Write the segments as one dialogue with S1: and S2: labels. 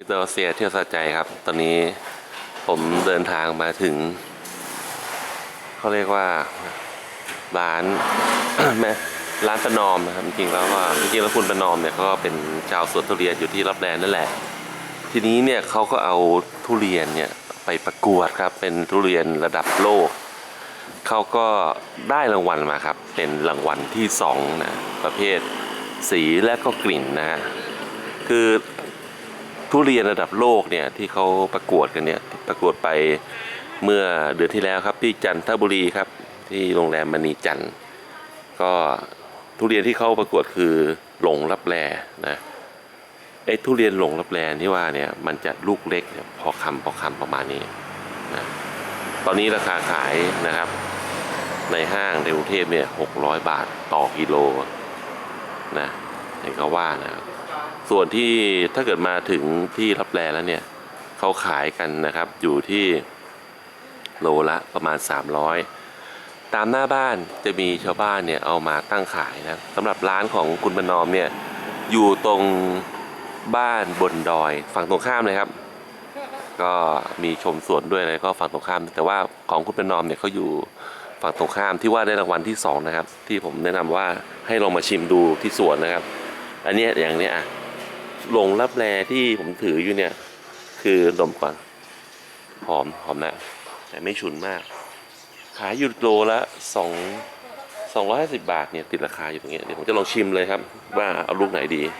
S1: ดอเซียเที่ยวสะใจครับตอนนี้ผมเดินทางมาถึงเขาเรียกว่าร้าน แม่ร้านประนอมนะครับจริงๆแล้วคุณประนอมเนี่ยก็เป็นชาวสวนทุเรียนอยู่ที่รับแลนั่นแหละทีนี้เนี่ยเขาก็เอาทุเรียนเนี่ยไปประกวดครับเป็นทุเรียนระดับโลกเขาก็ได้รางวัลมาครับเป็นรางวัลที่2นะประเภทสีและก็กลิ่นนะฮะคือทุเรียนระดับโลกเนี่ยที่เขาประกวดกันเนี่ยประกวดไปเมื่อเดือนที่แล้วครับที่จันทบุรีครับที่โรงแรมมณีจันทร์ก็ทุเรียนที่เขาประกวดคือหลงลับแลนะไอ้ทุเรียนหลงลับแลที่ว่าเนี่ยมันจะลูกเล็กพอคำประมาณนี้นะตอนนี้ราคาขายนะครับในห้างในกรุงเทพเนี่ย600 บาทต่อกิโลนะเห็นเขาว่านะครับส่วนที่ถ้าเกิดมาถึงที่ลับแลแล้วเนี่ยเขาขายกันนะครับอยู่ที่โลละประมาณ300ตามหน้าบ้านจะมีชาวบ้านเนี่ยเอามาตั้งขายนะสำหรับร้านของคุณประนอมเนี่ยอยู่ตรงบ้านบนดอยฝั่งตรงข้ามเลยครับก็มีชมสวนด้วยอะไรก็ฝั่งตรงข้ามแต่ว่าของคุณประนอมเนี่ยเขาอยู่ฝั่งตรงข้ามที่ว่าได้รางวัลที่2นะครับที่ผมแนะนำว่าให้ลองมาชิมดูที่สวนนะครับอันนี้อย่างนี้อ่ะหลงลับแลที่ผมถืออยู่เนี่ยคือดมก่อนหอมนะแต่ไม่ฉุนมากขายอยู่โลละ250 บาทเนี่ยติดราคาอยู่ตรงนี้เดี๋ยวผมจะลองชิมเลยครับว่าเอาลูกไหนดี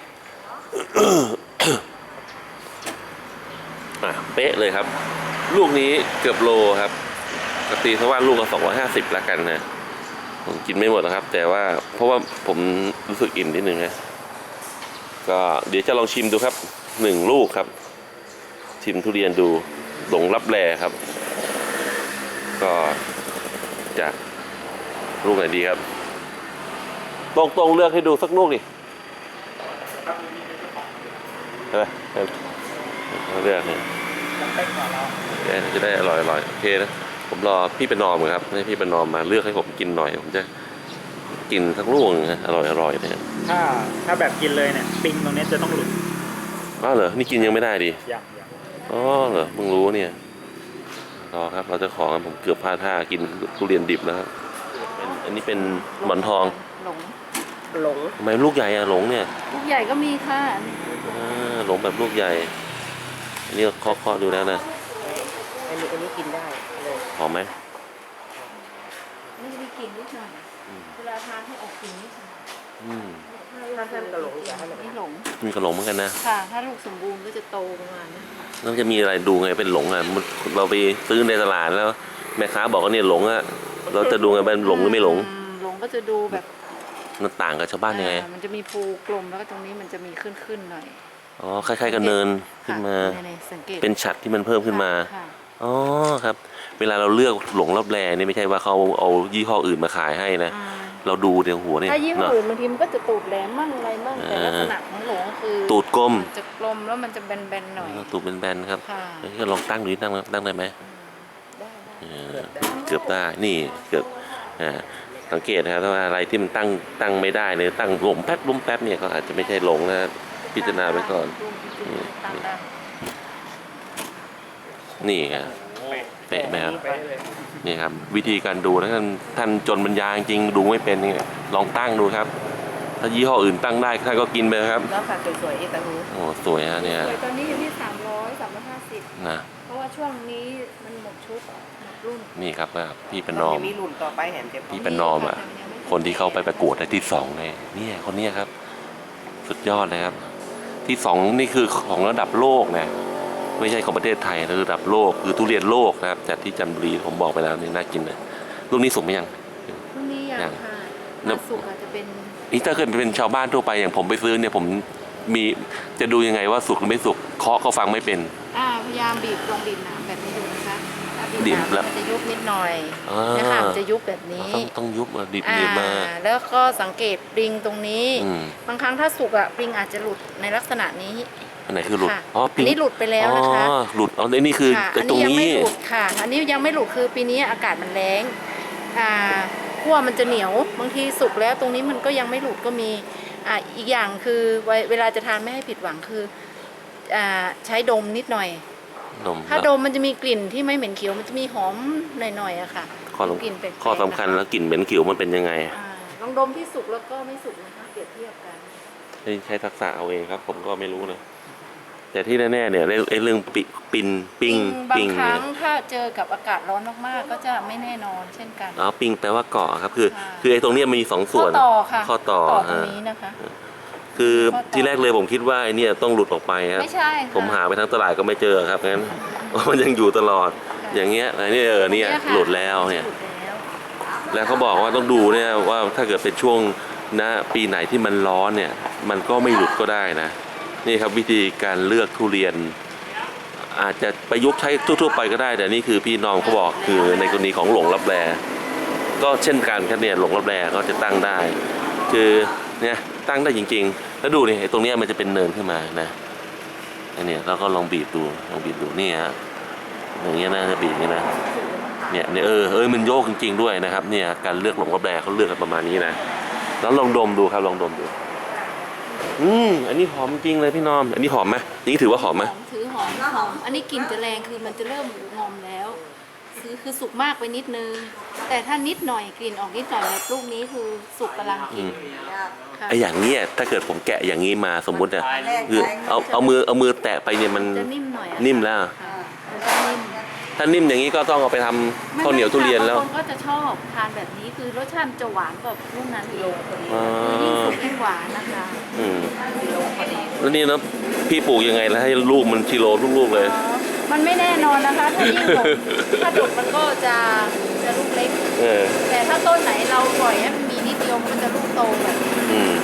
S1: เป๊ะเลยครับลูกนี้เกือบโลครับปกติเขาว่าลูกละ250ละกันนะผมกินไม่หมดนะครับแต่ว่าเพราะว่าผมรู้สึกอิ่มนิดนึงนะก็เดี๋ยวจะลองชิมดูครับ1 ลูกครับชิมทุเรียนดูหลงลับแลครับก็จะลูกไหนดีครับตรงเลือกให้ดูสักลูกดิใช่ไหมเลือกเนี่ยจะได้อร่อยโอเคนะผมรอพี่ประนอมครับให้พี่ประนอมมาเลือกให้ผมกินหน่อยผมจะกินสักลูกนะอร่อยเนี่ย
S2: ถ้าแบบกินเลยเนี่ยปิงตรงนี้จะต้องหลุด
S1: อ้าวเหรอนี่กินยังไม่ได้ดิ
S2: อย่าง
S1: อ๋อเหรอมึงรู้เนี่ยรอครับเราจะขอผมเกือบพลาดท่ากินทุเรียนดิบแล้วครับอันนี้เป็นหมอนทอง
S3: หลง
S1: ทำไมลูกใหญ่อะหลงเนี่ย
S3: ลูกใหญ่ก็มีค่ะ
S1: หลงแบบลูกใหญ่อันนี้เคาะดูแล้วนะ
S3: อันนี้กินได้เลย
S1: หอมไหม
S3: นี่มีกลิ่นนิดหน่อยเวลาทานให้ออกกลิ่นนิดหน่อย
S2: ถ้าแซมกระหลงจะให้แบบ
S3: นี่หลง
S1: มีกระหลงเหมือนกันนะ
S3: ค่ะถ้าลูกสมบูรณ์ก็จะโตประมาณนี้
S1: แล้วจะมีอะไรดูไงเป็นหลงอ่ะเราไปซื้อในตลาดแล้วแม่ค้าบอกว่าเนี่ยหลงอ่ะเราจะดูไงเป็นหลงหรือไม่หลง
S3: หลงก็จะดูแบบ
S1: มันต่างกับชาวบ้านยังไง
S3: มันจะมีภูกลมแล้วก็ตรงนี้มันจะมีขึ้นหน่อย
S1: อ๋อคล้ายๆกับเนินขึ้นมาเป็นฉัตรที่มันเพิ่มขึ้นมาอ๋อครับเวลาเราเลือกหลงลับแลนี่ไม่ใช่ว่าเขาเอายี่ห้ออื่นมาขายให้นะเราดูเดี๋ยวหัวนี่
S3: ถ้ายี่ห้ออื่นบางทีมันก็จะตูดแหลมมั่งอะไรมั่งแต่ลักษณะของหลงคือ
S1: ตูดกลม
S3: จะกลมแล้วมันจะแบนๆหน่อย
S1: ตูดเป็นแบนครับก็ลองตั้งดูตั้งได้ไหมเกือบได้นี่เกือบสังเกตนะครับว่าอะไรที่มันตั้งไม่ได้เลยตั้งล้มแป๊บเนี่ยก็อาจจะไม่ใช่หลงนะพิจารณาไว้ก่อนนี่ครับเป๊ะไหมครับนี่ครับวิธีการดูนะท่านจนปัญญาจริงดูไม่เป็นนี่ลองตั้งดูครับถ้ายี่ห้ออื่นตั้งได้ท่านก็กินไปครับ
S3: แล้วค่ะสวยๆเอตาฮู
S1: โอ้สวยฮะเนี่ย
S3: ตอนนี้อยู่ที่350
S1: นะ
S3: เพราะว่าช่วงนี้มันหมดชุดหมดรุ่น
S1: นี่ครับพี่ประนอม
S3: มีรุ่นต่อไปเห็น
S1: พี่ประนอมอ่ะคนที่เขาไปประกวดได้ที่2เลยเนี่ยคนนี้ครับสุดยอดเลยครับที่2นี่คือของระดับโลกนะไม่ใช่ของประเทศไทยระดับโลกคือทุเรียนโลกนะครับจากที่จันทบุรีผมบอกไปแล้วนี่น่ากินเลยลูกนี้สุกไหมยัง
S3: ลูกนี้ยังค่ะสุกอาจจะเป็น
S1: นี่ถ้าเกิดเป็นชาวบ้านทั่วไปอย่างผมไปซื้อเนี่ยผมมีจะดูยังไงว่าสุกหรือไม่สุกเคาะก็ฟังไม่เป็น
S3: พยายามบีบลองบีบหนาแบบนี้ดูนะคะบีบแล้วมันจะยุบนิดหน่อยนะคะมันจะยุบแบบนี้
S1: ต้องยุบบีบมา
S3: แล้วก็สังเกตปริงตรงนี้บางครั้งถ้าสุกปริงอาจจะหลุดในลักษณะนี้
S1: อันไหนคือหลุด
S3: อันนี้หลุดไปแล้วนะคะ
S1: หลุดอันนี้คือตรงนี้
S3: หลุดค่ะอันนี้ยังไม่หลุดคือปีนี้อากาศมันแรงขั้วมันจะเหนียวบางทีสุกแล้วตรงนี้มันก็ยังไม่หลุดก็มีอีกอย่างคือเวลาจะทานไม่ให้ผิดหวังคือใช้ดมนิดหน่อย
S1: นม
S3: ถ้าดมมันจะมีกลิ่นที่ไม่เหม็นเขียวมันจะมีหอมหน่อยๆอะค่ะ
S1: ข้อ
S3: กลิ่นแปลกๆ
S1: ข้อสำคัญแล้วกลิ่นเหม็นขิวมันเป็นยังไง
S3: ลองดมที่สุกแล้วก็ไม่สุกนะคะเปรียบเทียบกัน
S1: ใช้ทักษะเอาเองครับ ผมก็ไม่รู้นะแต่ที่แน่ๆเนี่ยไอ้เรื่องปิ้ง
S3: บาง
S1: ปิ้ง
S3: ครั้
S1: เนี่
S3: ง
S1: ย
S3: ถ้าเจอกับอากาศร้อนมากๆก็จะไม่แน่นอนเช่นกัน
S1: อ๋อปิ้งแปลว่าเกาะครับคือ
S3: ค่ะ
S1: คือไอ้ตรงเนี้ยมีสองส่วน
S3: ข้อต่อค่ะ
S1: ข้อต่อ
S3: ตรงนี้นะคะ
S1: คือ
S3: ข้อต่อ
S1: ที่แรกเลยผมคิดว่าไอ้เนี่ยต้องหลุดออกไปครับ
S3: ไม่ใช่ค่ะ
S1: ผมหาไปทั้งตลาดก็ไม่เจอครับงั้น มันยังอยู่ตลอด อย่างเงี้ยอันนี้เนี่ย
S3: ตรงค่ะ
S1: หลุดแล้วเนี่ย
S3: หลุดแล้ว
S1: แล้วเขาบอกว่าต้องดูเนี่ยว่าถ้าเกิดเป็นช่วงปีไหนที่มันร้อนเนี่ยมันก็ไม่หลุดก็ได้นะนี่ครับวิธีการเลือกทุเรียน อาจจะประยุกต์ใช้ทั่วๆไปก็ได้แต่นี่คือพี่น้องเขาบอกคือในกรณีของหลงลับแลก็เช่นกันครับเนี่ยหลงลับแลก็จะตั้งได้ คือเนี่ยตั้งได้จริงๆ แล้วดูนี่ไอ้ตรงเนี้ยมันจะเป็นเนินขึ้นมานะอันเนี้ยเราก็ลองบีบดูนี่ฮะอย่างเงี้ยนะจะบีบอย่างเงี้ยนะเนี่ยมันโยกจริงๆด้วยนะครับเนี่ยการเลือกหลงลับแลเขาเลือกกันประมาณนี้นะแล้วลองดมดูครับลองดมดูอันนี้หอมจริงเลยพี่น้อมอันนี้หอมไหมนี่ถือว่าหอมไหม
S3: ถือหอมอันนี้กลิ่นจะแรงคือมันจะเริ่มงอมแล้วคือสุกมากไปนิดนึง แต่ถ้านิดหน่อยกลิ่นออกนิดหน่อยแบบลูกนี้คือสุกกำลังกินค่ะ
S1: ไอ้อย่างเนี้ยถ้าเกิดผมแกะอย่างนี้มาสมมุติอะคือเอามือแตะไปเนี่ยมัน
S3: จะนิ่มหน่อยอะ
S1: นิ่มแล้ว
S3: ค่ะมันจะนิ่ม
S1: ถ้านิ่มอย่างนี้ก็ต้องเอาไปทำข้าวเหนียวทุเรียนแล้ว
S3: บางคนก็จะชอบทานแบบนี้คือรสชาติจะหวานกว่าลูกนั้นอีก
S1: อ๋อ
S3: คือยิ่งสุกยิ่งหวานนะคะ
S1: แล้วนี่นะพี่ปลูกยังไงแล้วให้ลูกมันกิโลลูกๆเลย
S3: มันไม่แน่นอนนะคะ ถ้ายิ่งดกถ้าดกมันก็จะลูกเล็ก
S1: เออ
S3: แต่ถ้าต้นไหนเราปล่อยให้มันมีนิดเดียวมันจะลูกโตแบบ
S1: อืม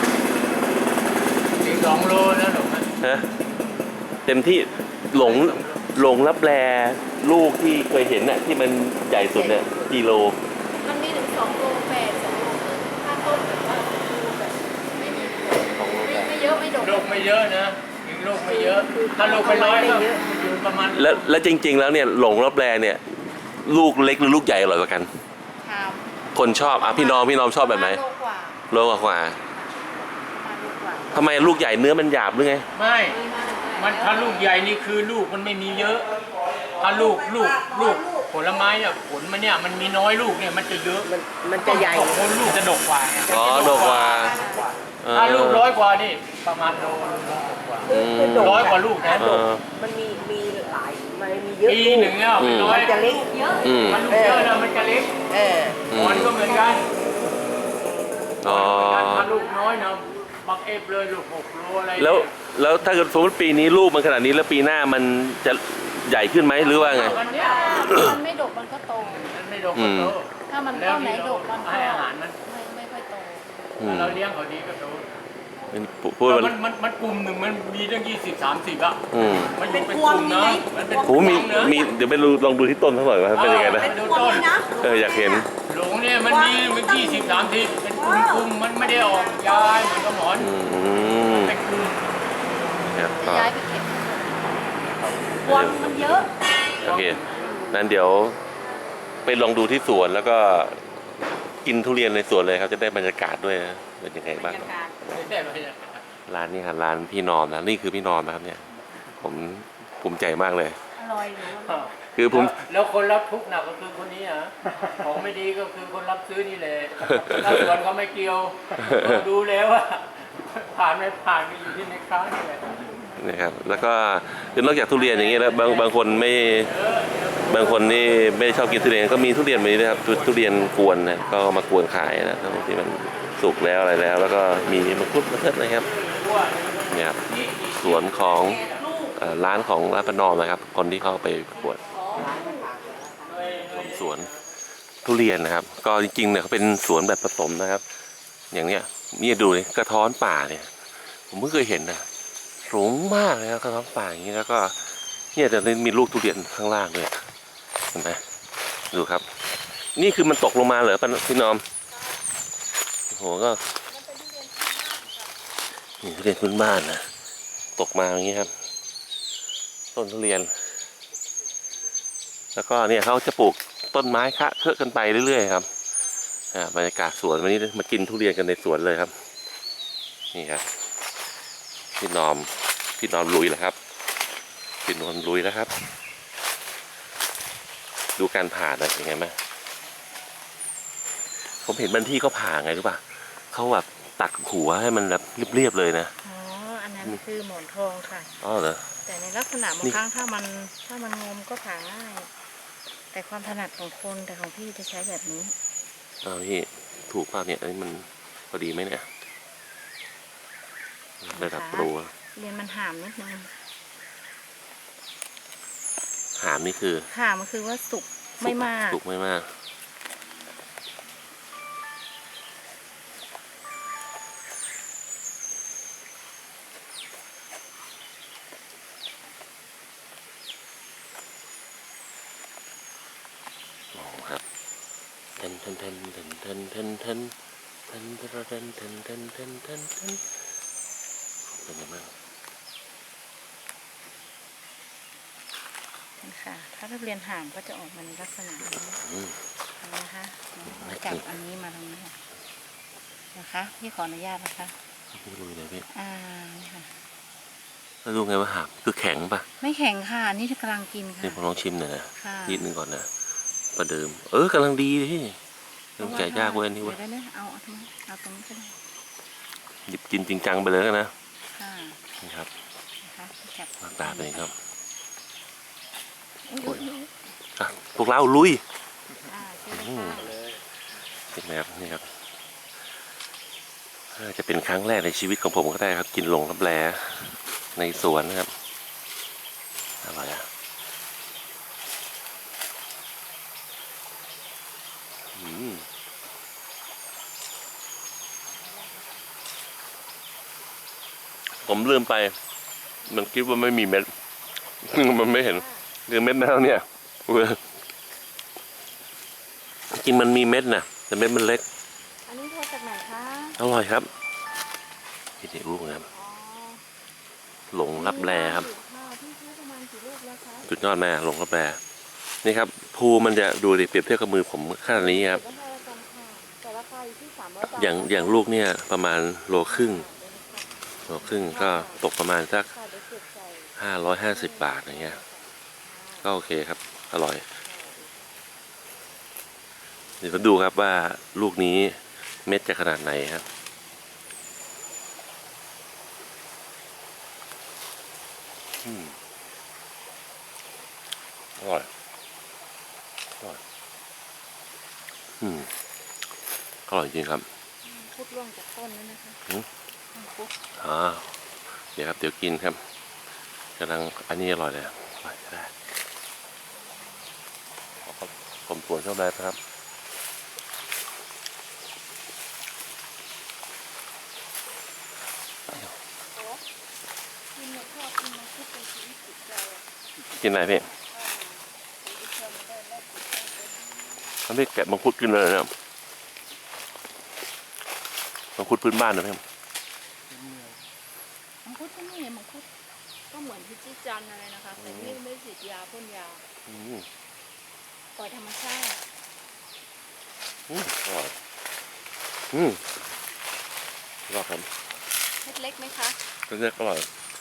S2: อีก2 โลแล้วหรอ
S1: ฮะเต็มที่หลงรับแลลูกที่เคยเห็นน่ะที่มันใหญ่สุดเนี่ยกิโล
S3: มันมีถึง2 โล 8 2 โลถ้าต้นแบบว่าดูแบบไม่มีไม่เยอะไม่ดก
S2: ลูกไม่เยอะนะยิงลูกไม่เยอะ ถ้าลูกเป็นร้อยก็อยู่ประมาณ
S1: แล้วจริง ๆ แล้วเนี่ยหลงรับแลเนี่ยลูกเล็กหรือลูกใหญ่อร่อยกว่ากัน
S3: ทาม
S1: คนชอบพี่น้องชอบแบบไหน
S3: โลกว่า
S1: โลกว่า
S3: ประมาณโลกว่า
S1: ทำไมลูกใหญ่เนื้อมันหยาบหรือไง
S2: ไม่ มันถ้าลูกใหญ่นี่คือลูกมันไม่มีเยอะ ถ้าลูกผลไม้เนี่ยผลมันเนี่ยมันมีน้อยลูกเนี่ยมันจะเยอะ
S4: มันจะใหญ่
S2: ผลลูกจะดกกว่าไง
S1: อ๋อดกกว่า
S2: ถ้าลูก100 กว่านี่ประมาณโล
S4: คือดก
S2: 100 กว่าลูกนะ
S4: มันมีหลายมันมีเยอะ
S2: ปีหนึ่งเนี่ยเป็นร้อ
S4: มั
S2: ย
S4: นจะเล็ก
S2: มันลูกเยอะนะมันจะเล็ก
S4: เออ
S2: มันก็เหมือนกัน
S1: อ๋อ
S2: ถ้าลูกน้อยนะบักเอฟเลยลูก6 โลอะไร
S1: แล้วถ้าเกิดสมมติปีนี้ลูกมันขนาดนี้แล้วปีหน้ามันจะใหญ่ขึ้นไหมหรือว่าไง
S2: วันเนี้ย
S3: มันไม่ดกมันก็โต
S2: มันไม่ดกก็โต
S3: ถ้ามันต้นไหนดกมันก็
S2: ให้อาหารมัน
S3: ไม่ค่อยโต
S2: เราเลี้ยงเขาดีก็โต
S1: พูดมัน
S2: มันกลุ่มหนึ่งมันมีตั้ง20-30 อ่ะ มันอยู่เป็นกลุ่มนะมันเป็น
S1: โอ้มีเดี๋ยวไปลองดูที่ต้นเขาหน่อยว่าเป็นยังไงนะ
S2: ดูต้น
S1: อยากเห็น
S2: หลงเนี่ยมันมี20-30เป็นกลุ่มมันไม่ได้ออกย้ายเหมือนกับหมอน เป็นกลุ่ม
S1: ครับ
S3: จะย้ายไปเก็บพวงมันเยอะ
S1: โอเคนั้นเดี๋ยวไปลองดูที่สวนแล้วก็กินทุเรียนในสวนเลยครับจะได้บรรยากาศด้วยนะเป็นยังไงบ้าง
S2: ไม่ได้ไหมเนี่ย
S1: ร้านนี้ครับร้านพี่นอมนะนี่คือพี่นอมนะครับเนี่ยผมภูมิใจมากเลย
S3: อร่อยหรือว่า
S1: คือผม
S2: แล้วคนรับทุกข์หนักก็คือคนนี้อ่ะของไม่ดีก็คือคนรับซื้อนี่แหละถ้าสวนเขาไม่เกี่ยวดูแล้วว่าผ่านไม่ผ่านก็อยู่ที่ในค้านี่แหละ
S1: นะครับแล้วก็คือนอกจากทุเรียนอย่างเงี้ยแล้วบางคนไม่บางคนนี่ไม่ชอบกินทุเรียนก็มีทุเรียนแบบนี้นะครับทุเรียนกวนนะก็มากวนขายนะทั้งที่มันสุกแล้วอะไรแล้ว แล้วก็มีมังคุดมะเขือนะครับเนี่ยครับสวนของร้านของร้านประนอมนะครับคนที่เข้าไปประกวดสวนทุเรียนนะครับ ก็จริงๆเนี่ยเขาเป็นสวนแบบผสมนะครับ อย่างเนี้ยนี่ดูเลยกระท้อนป่าเนี่ยผมเพิ่งเคยเห็นนะสูงมากเลยครับกระท้อนป่าอย่างนี้แล้วก็เนี่ยจะมีลูกทุเรียนข้างล่างด้วยเห็นไหมดูครับ นี่คือมันตกลงมาเหรอพี่น้อมโอ้โหก็นี่ทุเรียนพื้นบ้านนะตกมาอย่างนี้ครับต้นทุเรียน แล้วก็เนี่ยเขาจะปลูกต้นไม้คะเคอะกันไปเรื่อยๆครับบรรยากาศสวนวันนี้มากินทุเรียนกันในสวนเลยครับนี่ครับพี่นอมพี่นอนลุยแล้วครับพี่นอนลุยแล้วครับ ดูการผ่าหน่อยเป็นไงบ้างผมเห็นบางที่เขาผ่าไงรู้ป่ะเขาแบบตัดหัวให้มันแบบเรียบๆเลยนะ
S3: อ๋อ อันนั้นคือหมอนทองค่ะ
S1: อ๋อเหรอ
S3: แต่ในลักษณะบางครั้งถ้ามันงมก็ผ่าง่าย แต่ความถนัดของคนแต่ของพี่จะใช้แบบนี้
S1: พี่ถูกป่ะเนี่ยอันนี้มันพอดีไหมเนี่ยระดับโปร
S3: เรียนมันห่ามนิดนึง
S1: หามนี่คือ
S3: ห่ามมันคือว่าสุกไม่มาก
S1: สุกไม่มากโอ้ครับเทนเทนเทนเทนเทนเทนเทนเทนเทนเทนเทนเทนเทนเทนเทนเป็นยังไงบ้าง
S3: ค่ะ ถ้านักเรียนห่ามก็จะออกมาในลักษณะนี้
S1: อืม
S3: นะคะจับอันนี้มาตรงนี้นะคะพี่ขออนุญาตนะคะ
S1: ไม่รู้เลยพี่
S3: นี่ค่ะ
S1: แล้วรู้ไงว่าหามคือแข็งป่ะ
S3: ไม่แข็งค่ะ นี่กำลังกินค่ะ
S1: นี่ผมลองชิมหน่อยนะ
S3: ค่ะ
S1: นิดนึงก่อนนะประเดิมกำลังดีเลยพี่ต้องแกะยากเว้ยอันนี่เว้ย
S3: เดี๋ยวได้เอาตรงนี้เอาตรงนี้ก็ได้
S1: หยิบกินจริงจังไปเลยนะ
S3: ค่ะ
S1: นี่ครับ
S3: นะคะจับ
S1: หน้าตาเป็นไงครับ
S3: อุ๊ย
S1: อ่ะพวกเราลุย
S3: เชิญเลยค่ะ
S1: เป็นไงครับนี่ครับจะเป็นครั้งแรกในชีวิตของผมก็ได้ครับ กินหลงรับแลในสวนนะครับอร่อยอ่ะผมลืมไป มันคิดว่าไม่มีเม็ด มันไม่เห็นคือเม็ดแล้วเนี่ยจริงมันมีเม็ดนะแต่เม็ดมันเล็ก
S3: อันนี้โทรจากไหนคะ
S1: อร่อยครับพี่เด็กลูกนะครับ
S3: อ๋อ
S1: หลงรับแลครับ
S3: พี่ซื้อประมาณกี่ลูกแล้วคะ
S1: สุดยอดแม่หลงรับแลนี่ครับภูมันจะดูดิเปรียบเทียบกับมือผมขนาดนี้ครับ
S3: ราคากันค่ะแต่ราคาอยู่ที่300 บาท
S1: อย่างลูกเนี่ยประมาณโลครึ่งก็ตกประมาณสัก
S3: ค่ะเดี๋ยวเก็บใส่
S1: 550 บาทอย่างเงี้ยก็โอเคครับอร่อยเดี๋ยวมาดูครับว่าลูกนี้เม็ดจะขนาดไหนครับอร่อยอร่อยอร่อยจริงครับ
S3: พุดร่วงจากต้นนั่นนะคะ พุด
S1: เดี๋ยวครับเดี๋ยวกินครับกำลังอันนี้อร่อยเลยอร่อยได้ผมสวนชอบได้ครับกินอะไรพี่ทำให้แกะมังคุดกินเลยนะมังคุดพื้นบ้านนะพี่
S3: มังคุดก็นี่มังคุดก็เหมือนพิจิจันอะไรนะคะแต่ไม่ฉีดยาพ่นยาปล่อยธรรมชาติ
S1: อร่อยรอครับ
S3: เม็ดเล็กไหมคะ
S1: เล็กอร่อย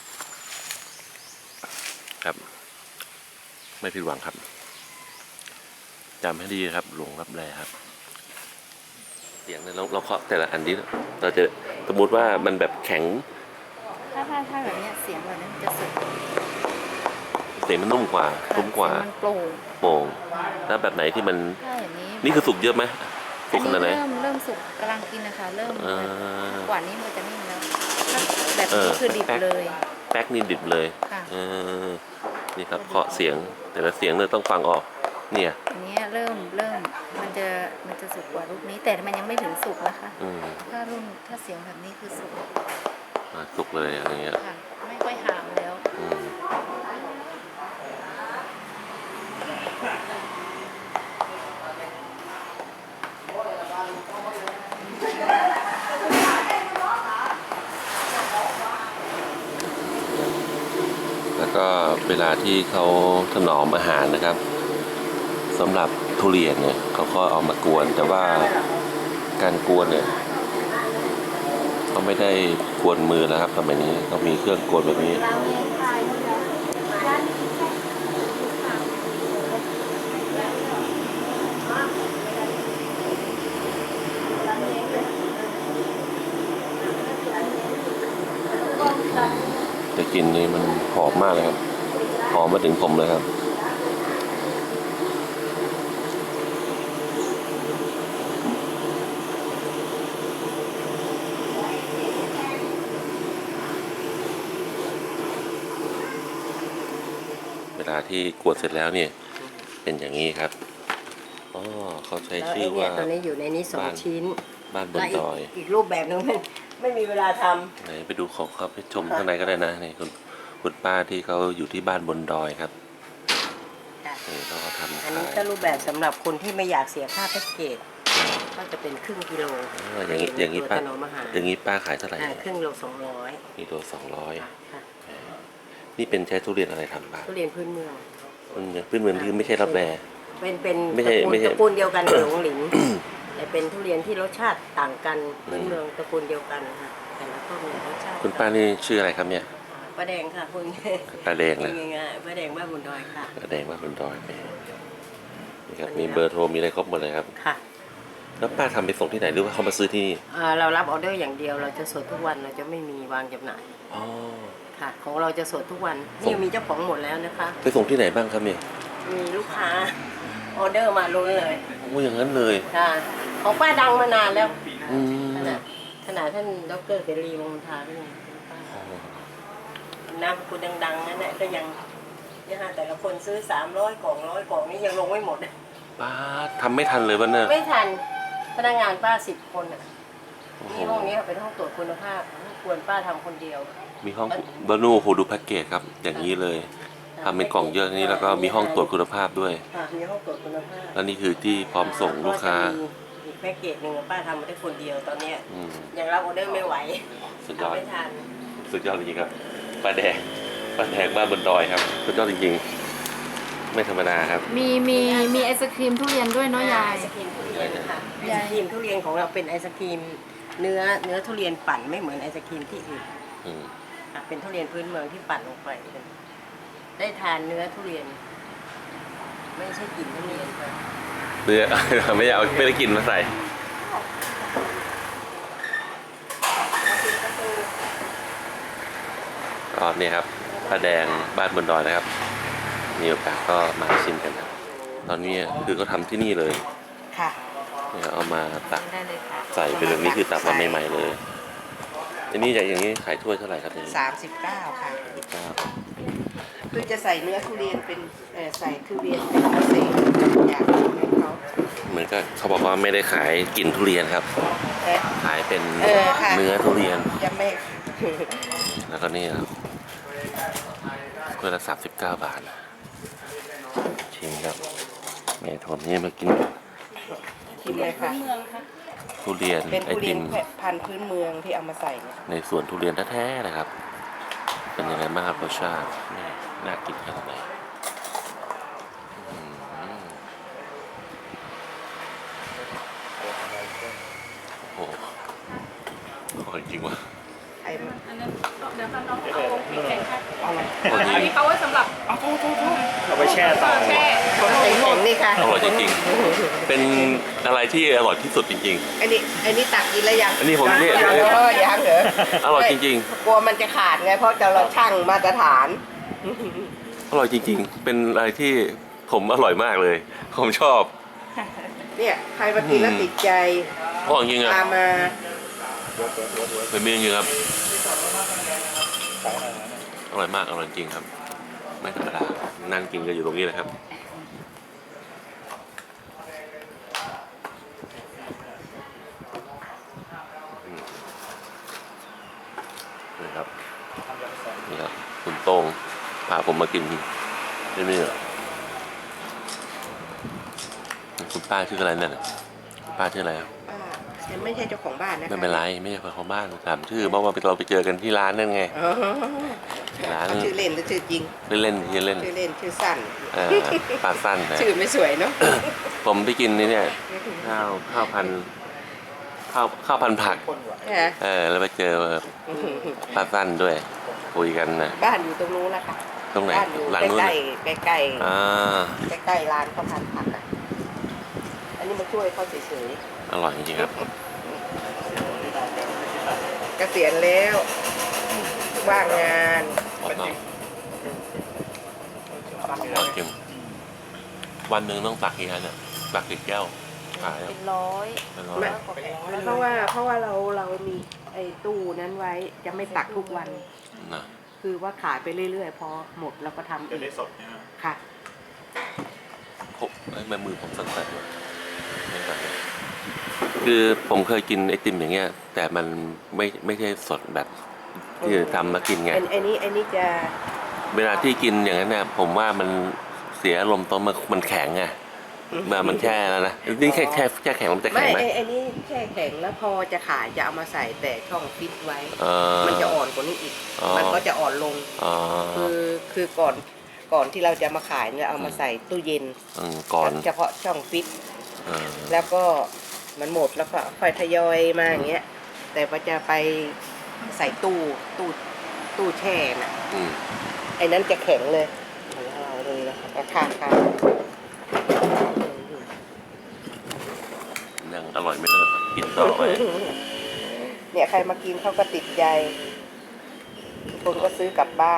S1: ครับ ไม่ผิดหวังครับจำให้ดีครับหลงรับแลครับเสียงเนี่ยเราเคาะแต่ละอันนี้เราจะสมมติว่ามันแบบแข็ง
S3: ถ้าแบบนี้เสียงแบบนี้มันจะสุก
S1: เสียงมันนุ่มกว่านุ่มกว่า
S3: มันโปร่ง
S1: โป่งแล้วแบบไหนที่มัน
S3: ถ้าอย่างนี้
S1: นี่คือสุกเยอะไหมสุกขนาดไหน
S3: เริ่มสุกกำลังกินนะคะเริ่ม
S1: อ่า
S3: กว่านี้มันจะนิ่มแล้วถ้าแบบนี้คือดิบเลย
S1: แป๊กนี่ดิบเลย
S3: ค่ะ
S1: นี่ครับเคาะเสียงแต่ละเสียงเนี่ยต้องฟังออกเนี่ย
S3: อันนี้เริ่มมันจะสุกกว่าลูกนี้ แต่มันยังไม่ถึงสุกนะคะ ถ้าเสียงแบบนี้คือสุก
S1: สุกเลยอย่างเงี้ย
S3: ค่ะ ไม่ค่อยหามแล้ว
S1: แล้วก็เวลาที่เขาถนอมอาหารนะครับสำหรับทุเรียนเนี่ยเขาก็เอามากวนแต่ว่าการกวนเนี่ยเขาไม่ได้กวนมือแล้วครับสมัยนี้เขามีเครื่องกวนแบบนี้แต่กลิ่นนี่มันหอมมากเลยครับหอมมาถึงผมเลยครับเวลาที่กวนเสร็จแล้วเนี่ยเป็นอย่างนี้ครับอ๋อเขาใช้
S4: แล้ว
S1: ชื่
S4: ไอ้
S1: อ
S4: เนี่
S1: ว่า
S4: ยตอนนี้อยู่ในนี้สองชิ้น
S1: บ้านบน
S4: และ
S1: ดอย
S4: อีกรูปแบบหนึงมันไม่มีเวลาท
S1: ไหนไปดูของเขาไปชมข้างในก็ได้นะนี่คุณป้าที่เขาอยู่ที่บ้านบนดอยครับ
S4: ำค่ะ
S1: นี่เขาก็ทำ
S4: อัน
S1: ขา
S4: นี้
S1: ย
S4: ก็รูปแบบสำหรับคนที่ไม่อยากเสียค่าแพ็กเกจก็จะเป็นครึ่งกิโล
S1: อย่างนี้
S4: ตัว
S1: ป้า
S4: ถนอมอาหาร
S1: อย่างนี้ป้าขายเท่าไหร่
S4: ครึ่งโล200
S1: นี่ตัว200
S4: ค่ะ
S1: นี่เป็นใช้ทุเรียนอะไรทำป้า
S4: ทุเรียนพื้นเมือง
S1: พื้นเมืองที่ไม่ใช่รับแร
S4: เป็น
S1: ไม่ใช่
S4: ตระกูลเดียวกันกับหลงหลิน แต่เป็นทุเรียนที่รสชาติต่างกันพื้นเมืองตระกูลเดียวกันค่ะแต่ละต้นมีรสชาติ
S1: คุณป้านี่ชื่ออะไรครับเนี่ย
S4: ป้าแดงค่ะคุณ
S1: ป้าแดงเลย
S4: ง่ายๆป้าแดงบ้านบุญดอยค่ะ
S1: ป้าแดงบ้านบนดอยนี่ครับมีเบอร์โทรมีอะไรครบหมดเลยครับ
S4: ค่ะ
S1: แล้วป้าทำไปส่งที่ไหนหรือว่าเขามาซื้อที่นี่
S4: เรารับออเดอร์อย่างเดียวเราจะสดทุกวันเราจะไม่มีวางจำหน่าย
S1: อ๋อ
S4: ค่ะ ของเราจะสดทุกวัน
S1: ส่
S4: นี่
S1: ง
S4: มีเจ้าของหมดแล้วนะคะ
S1: ไปส่งที่ไหนบ้างครับเนี่ย
S4: มีลูกค้าออเดอร์มาล้นเลย
S1: โอ้อย่างนั้นเลย
S4: ค่ะของป้าดังมานานแล้ว
S1: อืม
S4: ขนาดท่านดรเสรีวงศ์ทาด้วยน้ำคุณดังๆนั่นแหละก็ยังเนี่ยค่ะแต่ละคนซื้อ300 กล่อง100 กล่องนี่ยังลงไม่หมด
S1: ป้าทำไม่ทันเลยวันเนี่ย
S4: ไม่ทันพนักงานป้า10 คนอ่ะ
S1: โอ้โห
S4: ที่ห้องนี้เป็นห้องตรวจคุณภาพควรป้าทำคนเดียว
S1: มีห้องบานูโหดูแพ็กเกจครับ อย่างนี้เลยทำเป็นกล่องเยอะนี้แล้วก็มีห้องตรวจคุณภาพด้วย
S4: ค่ะมีห้องตรวจคุณภาพ
S1: แล้วนี่คือที่พร้อมส่งลูกค้า
S4: แล้วจะมีอีกแพ็กเกจหนึ่งป้าทำมาได้คนเดียวตอนเนี้ย
S1: อืม
S4: ยังรับออเดอร์ไม่ไหว
S1: สุดยอด
S4: ทำไม่ทัน
S1: สุดยอดจริงๆครับป้าแดงบ้านบนดอยครับสุดยอดจริงๆ ไม่ธรรมดาครับ
S3: มีไอศครีมทุเรียนด้วยเนาะยาย
S4: ไอศครีมทุเรียนค่ะไอศครีมทุเรียนของเราเป็นไอศครีมเนื้อทุเรียนปั่นไม่เหมือนไอศครีมที่อื่น
S1: อืม
S4: ค่ะเป็นทุเรียนพื้นเมืองที่ปั่นลงไปได้ทานเนื้อทุเรียน ไม่ใช่กลิ่นทุเรียนค่ะ
S1: เนื้อ ไม่ได้กินมาใส่ก็เนี่ยครับป้าแดงบ้านบนดอยนะครับ มีโอกาสก็มาชิมกันครับตอนนี้คือก็ทำที่นี่เลย
S4: ค่ะ
S1: เนี่ยเอามาตัก
S4: ได้เลยค่ะ
S1: ใส่เป็นแบบนี้คือตักมาใหม่ๆเลยอันนี้อย่างนี้ขายถ้วยเท่าไหร่ครับเนี่ย
S4: 39ค่ะ
S1: 39
S4: คือจะใส่เนื้อทุเรียนเป็นใส่ทุเรียนเป็นพิเศษอยากให้เขา
S1: เหมือนก็เขาบอกว่าไม่ได้ขายกลิ่นทุเรียนครับ
S4: เอ๊ะ
S1: ขายเป็น
S4: ค่ะ
S1: เนื้อทุเรียน
S4: จะไม่
S1: แล้วก็นี่ครับถ้วยละ39 บาทนะชิมครับแม่ทนนี่มากิน
S4: กินเลยค่ะ
S1: ทุเรียน
S4: เป็น
S1: ไอ
S4: ทุเรี
S1: ติ
S4: ยน
S1: ม
S4: พันธุ์พื้นเมืองที่เอามาใส่เนี่ย
S1: ในสวนทุเรียนแท้ๆเลยครับ เป็นยังไงบ้างครับรสชาตินี่น่ากินขนาดไหนอืมโอ้โหอร่อยจริงว่ะ
S4: ไอ้
S3: อันนั้นเดี๋ยวค่ะน้องเอาพริกแข็งค่ะ
S4: เอามา
S1: อร่อยจ
S3: อัน
S1: ริ
S3: นี้
S1: ง
S3: เขาไว้สำหรับ
S2: เอาไปแช่ต่อ
S3: แช่
S4: ของแข็งๆนี่ค่ะ
S1: อร่อยจริงๆเป็นอะไรที่อร่อยที่สุดจริง
S4: อันนี้ตักกินแล้วยัง
S1: อันนี้ผมเนี่ย
S4: ยังยังเหรอ
S1: ๆ อร่อยจริง
S4: กลัวมันจะขาดไงเพราะเราชั่งมาตรฐาน
S1: ๆ อร่อยจริงๆ เป็นอะไรที่ผมอร่อยมากเลย ผมชอบ
S4: เนี่ยใครมากินแล้วติดใจ
S1: อร่อยจริงๆอ่ะ
S4: ตามมา
S1: เป็นเมนูจริงครับ อร่อยมาก อร่อยจริงครับ ไม่ธรรมดา นั่งกินกันอยู่ตรงนี้เลยครับนี่ครับ นี่ครับ คุณโต้งพาผมมากินที่นี่คุณป้าชื่ออะไรเนี่ยป้าชื่ออะไรครับ
S4: ฉันไม่ใช่เจ้าของบ้านนะคะ
S1: ไม่เป็นไรไม่ใช่คนของบ้านถามชื่อเพราะว่าเราไปเจอกันที่ร้านนั่นไง
S4: อ๋อ
S1: ร้าน
S4: ชื่อเล่นหรือชื่อจริง
S1: เล่นชื่อเล่น
S4: ชื่อเล่นชื่อสั้น
S1: ปลาสั้นนะ
S4: ชื่อไม่สวยเนาะ
S1: ผมไปกินนี่เนี่ยข้าวพันข้าวพันผัก
S4: ฮะ
S1: แล้วไปเจอป้าสั้นด้วย คุยกันนะ
S4: บ้านอยู่ตรงนู้นนะคะ
S1: ตรงไหน
S4: บ้านอยู่
S1: หลัง
S4: ใก
S1: นู้น
S4: ล้
S1: น่ะ
S4: ใกล้
S1: อ่า
S4: ใกล้ร้านข้าวพันผักอ่ะอันนี้มาช่วยเขาเฉย
S1: อร่อยจริงๆครับ
S4: ๆเกษียณแล้วว่างงาน
S1: อร่อยจริงวันหนึ่งต้องตักกี่อันเนี่ยตักกี่แก้วขาย
S3: เป็นร้อย
S1: เป็นร้อย
S4: ไม่ เพราะว่าเรามีไอ้ตู้นั้นไว้จะไม่ตักทุกวัน
S1: นะ
S4: คือว่าขายไปเรื่อยๆ พอหมดเราก็ทำเองค่ะ
S1: ผมไม่มือผมสั่นๆเลยไม่สั่นเลยคือผมเคยกินไอติมอย่างเงี้ย แต่มันไม่ใช่สดแบบที่ทำมากินไง
S4: ไอ้นี่จะ
S1: เวลาที่กินอย่างนั้นเนี่ยผมว่ามันเสียอารมณ์ตอนมันแข็งไงมันแช่แล้วนะนี่แค่แข็งมันจะ
S4: ไม่
S1: แข็งไหม
S4: ไอ้นี่แช่แข็งแล้วพอจะขายจะเอามาใส่แต่ช่องฟิตไว้
S1: เออ
S4: มันจะอ่อนกว่านี้อีก
S1: อ๋อ
S4: มันก็จะอ่อนลง
S1: อ๋อ
S4: คือก่อนที่เราจะมาขายเนี่ยเอามาใส่ตู้เย็น
S1: ก่อน
S4: เฉพาะช่องฟิต
S1: เออ
S4: แล้วก็มันหมดแล้วก็ค่อยทยอยมาอย่างเงี้ย แต่พอจะไปใส่ตู้แช่น่ะ
S1: อืม
S4: ไอ้นั้นจะแข็งเลยเอาเลยนะคะค่ะ
S1: ยังอร่อยไม่เลิกครับกินต่อไป
S4: เนี่ยใครมากินเขาก็ติดใจคนก็ซื้อกลับบ้าน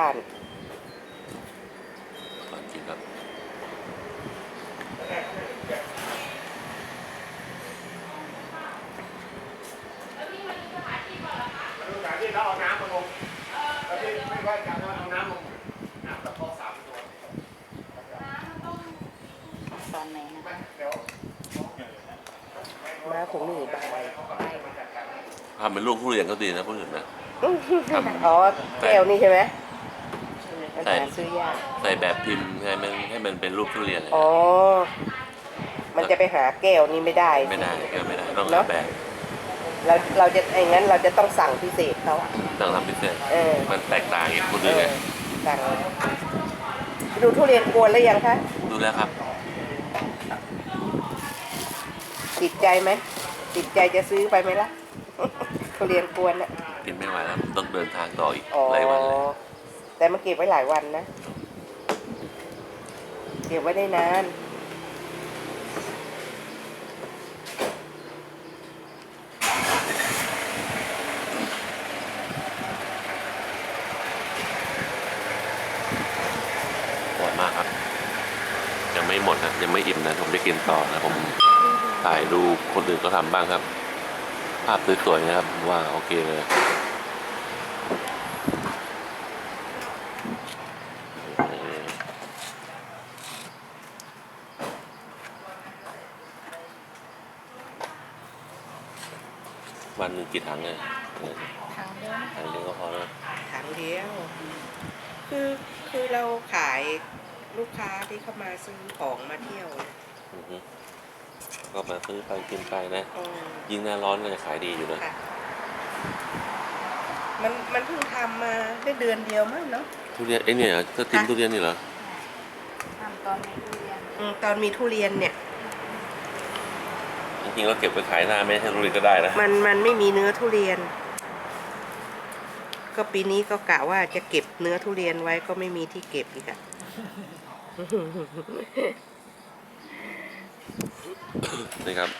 S1: อร่อยจริงครับ
S2: ที่เราเอาน้ำมาลงแล้วที่ไม่ว่าจะเอาน้ำลงน้ำตะโพก3 ตัว
S3: ตอนไหนนะ
S4: มาถุงหนึ่งใบ
S1: ทำเป็นลูกทุเรียนก็ดีนะพวกอื่นนะ
S4: อ๋อแก้วนี่ใช่ไหม
S1: ใช่
S4: หาซื้อยาก
S1: ใส่แบบพิมพ์ให้มันเป็นรูปทุเรียนเลย
S4: อ๋อ มันจะไปหาแก้วนี่ไม่ได้
S1: ไม่ได้ก็ไม่ได้ต้อง
S4: เนอะ
S1: ทำแบบ
S4: เราจะไอ้งั้นเราจะต้องสั่งพิเศษเขาอะ
S1: ต้องทำพิเศษ
S4: เออ
S1: มันแตกต่างจากคนอื่นไง
S4: สั่งดูทุเรียนกวนแล้วยังคะ
S1: ดูแล้วครับ
S4: ติดใจไหมติดใจจะซื้อไปไหมล่ะ ทุเรียนกวนอะ
S1: กินไม่ไหวแล้วต้องเดินทางต่ออีก
S4: อ๋อ
S1: หลายวันเลย
S4: แต่มาเก็บไว้หลายวันนะ เก็บไว้ได้นาน
S1: อร่อยมากครับ ยังไม่หมดนะยังไม่อิ่มนะผมจะกินต่อนะผมถ่ายดูคนอื่นก็ทำบ้างครับ ภาพสวยๆนะครับว่าโอเคเลยวันหนึ่งกี่ถังเลย
S3: ทางเดิน
S1: ถังเดียวก็พอแล้ว
S4: ถังเดียว คือเราขายลูกค้าที่เข้ามาซื้อของมาเที่ยว
S1: อือฮึก็มาซื้อไปกินไปนะ
S4: อืม
S1: ยิ่งหน้าร้อนก็จะขายดีอยู่นะ
S4: ค่ะ มันเพิ่งทำมาได้เดือนเดียวมั้งเนาะ
S1: ทุเรียนไอ้เนี่ยก็ติมทุเรียนนี่เหรอ
S3: ทำตอนในทุเรียน
S4: ตอนมีทุเรียนเนี่ย
S1: จริงๆเราเก็บไปขายหน้าไม่ให้ทุเรียนก็ได้นะ
S4: มันไม่มีเนื้อทุเรียน ก็ปีนี้ก็กะว่าจะเก็บเนื้อทุเรียนไว้ก็ไม่มีที่เก็บอีกอะ
S1: นี่ครับ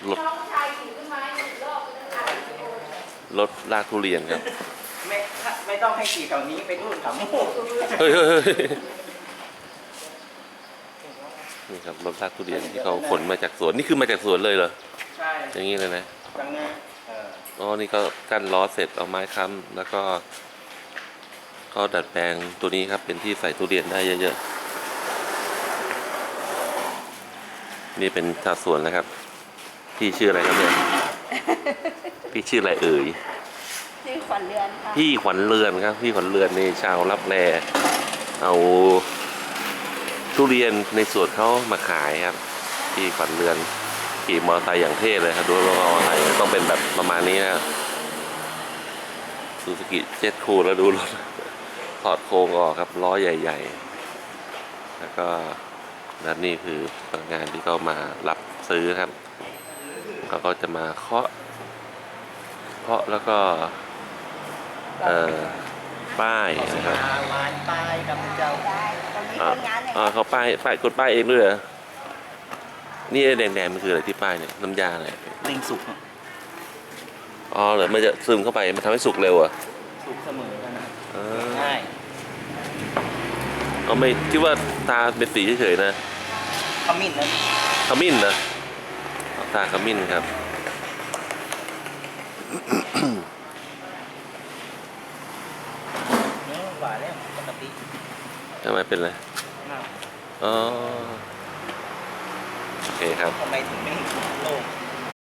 S1: รถลากทุเรียนครับ
S2: ไม่ต้องให้ขี่แถวนี้ไปนู่นแถวนู้น
S1: เฮ้ยนี่ครับรถลากทุเรียนที่เขาขนมาจากสวนนี่คือมาจากสวนเลยเหรอ
S2: ใช่
S1: อย่างนี้เลยนะ
S2: จังเนี้ย
S1: อ๋อนี่ก็กั้นล้อเสร็จเอาไม้ค้ำแล้วก็ดัดแปลงตัวนี้ครับเป็นที่ใส่ทุเรียนได้เยอะๆนี่เป็นชาวสวนนะครับพี่ชื่ออะไรครับเนี่ย พี่ชื่ออะไรเอ่ย
S3: ชื่อขวัญเรือนค่ะ
S1: พี่ขวัญเรือนครับพี่ขวัญเรือนในชาวรับแลเอาทุเรียนในสวนเขามาขายครับพี่ขวัญเรือนขี่มอเตอร์ไซค์อย่างเท่เลยครับดูรถมอเตอร์ไซค์ต้องเป็นแบบประมาณนี้นะซูซูกิเจ็ตคูลแล้วดูรถ ถอดโครงออกครับล้อใหญ่ๆแล้วก็นั่นนี่คือพนักงานที่เขามารับซื้อครับเขาก็จะมาเคาะาะแล้วก็ป้ายนะครับ
S4: หวานปลายกับเจ้า
S1: เขาป้ายกดป้ายเองด้วยเหรอนี่แดงๆมันคืออะไรที่ป้ายเนี่ยน้ำยาอะไร
S5: เร่งสุก
S1: อ๋อเหรอมันจะซึมเข้าไปมันทำให้สุกเร็วอ่ะ
S5: สุกเสมอกันนะ
S1: อ๋อ
S5: ง่าย
S1: เอาไม่คิดว่าตาเป็นสีเฉยๆนะ
S5: ขมิ้นนะ
S1: ขมิ้นนะตาขมิ้นครับ
S5: หวานแล้วปกติ
S1: ทำไมเป็นไร
S5: มาก
S1: อ๋อโอเคครับ
S5: ทำไมถึงไม่เห็นโลก